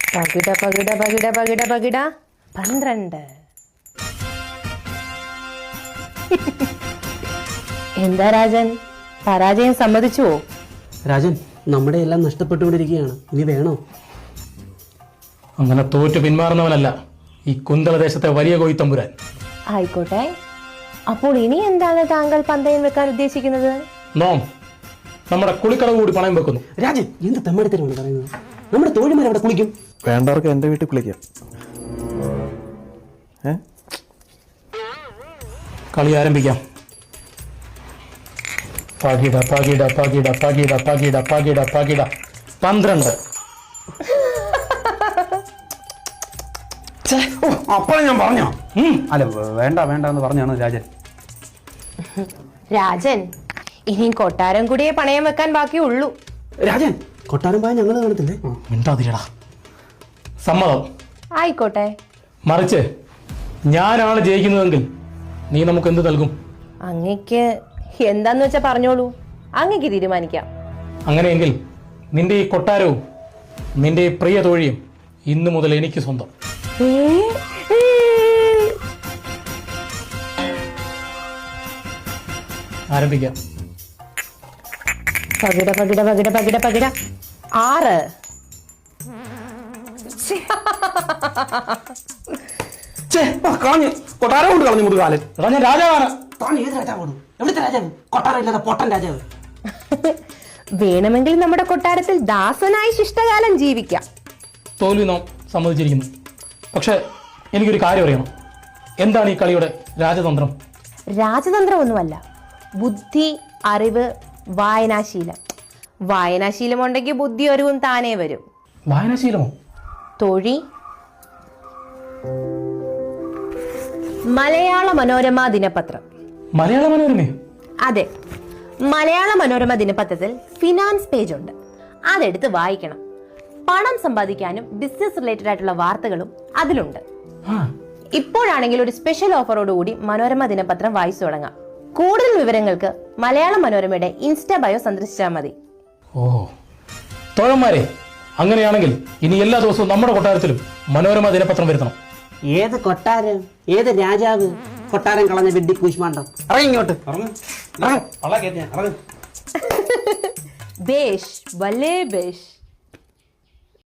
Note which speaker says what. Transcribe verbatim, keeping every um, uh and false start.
Speaker 1: പകിട പകിട പകിട പകിട പകിട പന്ത്രണ്ട്. എന്താ രാജൻ, പരാജയം സമ്മതിച്ചുവോ?
Speaker 2: രാജൻ, നമ്മുടെ എല്ലാം നഷ്ടപ്പെട്ടുകൊണ്ടിരിക്കുകയാണ്, ഇനി വേണോ?
Speaker 3: അങ്ങനെ തോറ്റു പിന്മാറുന്നവനല്ല ഈ കുന്തളദേശത്തെ വലിയ കോയിത്തമ്പുരാൻ.
Speaker 1: ആയിക്കോട്ടെ, അപ്പോൾ ഇനി എന്താണ് താങ്കൾ പന്തയം വെക്കാൻ ഉദ്ദേശിക്കുന്നത്?
Speaker 3: നോം നമ്മുടെ കുളിക്കടവ് കൂടി പണയം വെക്കുന്നു.
Speaker 2: രാജൻ, എന്ത് തെമ്മടിത്തരമാണ് പറയുന്നത്? നമ്മുടെ തോഴിമാർ അവിടെ കുളിക്കും.
Speaker 4: വേണ്ടവർക്ക് എന്റെ വീട്ടിൽ കുളിക്കാം. ഏ
Speaker 3: കളി ആരംഭിക്കാം. പകിട പകിട പകിട പകിട പകിട പകിട പകിട പന്ത്രണ്ട്.
Speaker 2: അപ്പോഴും ഞാൻ പറഞ്ഞോ? അല്ല, വേണ്ട വേണ്ട എന്ന് പറഞ്ഞാണ് രാജൻ.
Speaker 1: രാജൻ, ഇനി കൊട്ടാരം കൂടിയേ പണയം വെക്കാൻ ബാക്കിയുള്ളൂ.
Speaker 2: രാജൻ, കൊട്ടാരം പോയാൽ ഞങ്ങൾ കാണത്തില്ലേ?
Speaker 3: മിണ്ടാതിരടാ. സമ്മതം.
Speaker 1: ആയിക്കോട്ടെ.
Speaker 3: മറിച്ച് ഞാനാണ് ജയിക്കുന്നതെങ്കിൽ നീ നമുക്ക് എന്ത് നൽകും?
Speaker 1: അങ്ങക്ക് എന്താന്ന് വെച്ചാ പറഞ്ഞോളൂ, അങ്ങക്ക് തീരുമാനിക്കാം.
Speaker 3: അങ്ങനെയെങ്കിൽ നിന്റെ ഈ കൊട്ടാരവും നിന്റെ ഈ പ്രിയ തോഴിയും ഇന്നു മുതൽ എനിക്ക് സ്വന്തം. ആരംഭിക്കാം.
Speaker 1: പകിട പകിട പകിട പകിട പകിട ആറ്.
Speaker 2: കൊട്ടാരം കൊണ്ട് കളഞ്ഞു മുതുകാലൻ.
Speaker 3: എടാ, ഞാൻ രാജാവാണ്.
Speaker 2: ഏത് രാജാവാണ്? എവിടുത്തെ രാജാവ്? കൊട്ടാരം ഇല്ലാതെ പൊട്ടൻ രാജാവ്.
Speaker 1: വേണമെങ്കിൽ നമ്മുടെ കൊട്ടാരത്തിൽ ദാസനായി ശിഷ്ടകാലം ജീവിക്കാം.
Speaker 3: തോൽവി നാം സമ്മതിച്ചിരിക്കുന്നു. പക്ഷെ എനിക്കൊരു കാര്യം അറിയണം. എന്താണ് ഈ കളിയുടെ രാജതന്ത്രം?
Speaker 1: രാജതന്ത്രമൊന്നുമല്ല, ബുദ്ധി, അറിവ്, വായനാശീലം. വായനാശീലം ഉണ്ടെങ്കിൽ ബുദ്ധി അറിവും താനേ വരും.
Speaker 3: വായനാശീലമോ?
Speaker 1: തൊഴി, മലയാള മനോരമ ദിനപത്രം.
Speaker 3: മലയാള മനോരമയോ?
Speaker 1: അതെ, മലയാള മനോരമ ദിനപത്രത്തിൽ ഫിനാൻസ് പേജ് ഉണ്ട്. അതെടുത്ത് വായിക്കണം. പണം സമ്പാദിക്കാനും ബിസിനസ് റിലേറ്റഡ് ആയിട്ടുള്ള വാർത്തകളും അതിലുണ്ട്. ഇപ്പോഴാണെങ്കിൽ ഒരു സ്പെഷ്യൽ ഓഫറോട് കൂടി മനോരമ ദിനപത്രം വായിച്ചു തുടങ്ങാം. കൂടുതൽ വിവരങ്ങൾക്ക് മലയാള മനോരമയുടെ ഇൻസ്റ്റാ ബയോ സന്ദർശിച്ചാൽ മതി.
Speaker 3: ഓ തോഴന്മാരെ, അങ്ങനെയാണെങ്കിൽ ഇനി എല്ലാ ദിവസവും നമ്മുടെ കൊട്ടാരത്തിലും മനോരമ ദിനപത്രം വരുത്തണം.
Speaker 2: ഏത് കൊട്ടാരം? ഏത് രാജാവ്? കൊട്ടാരം കളഞ്ഞ വെഡ്ഡി കൂശ്മാണ്ടം. ഇറങ്ങി ഇങ്ങോട്ട്.
Speaker 1: ബേഷ്, വലേ ബേഷ്.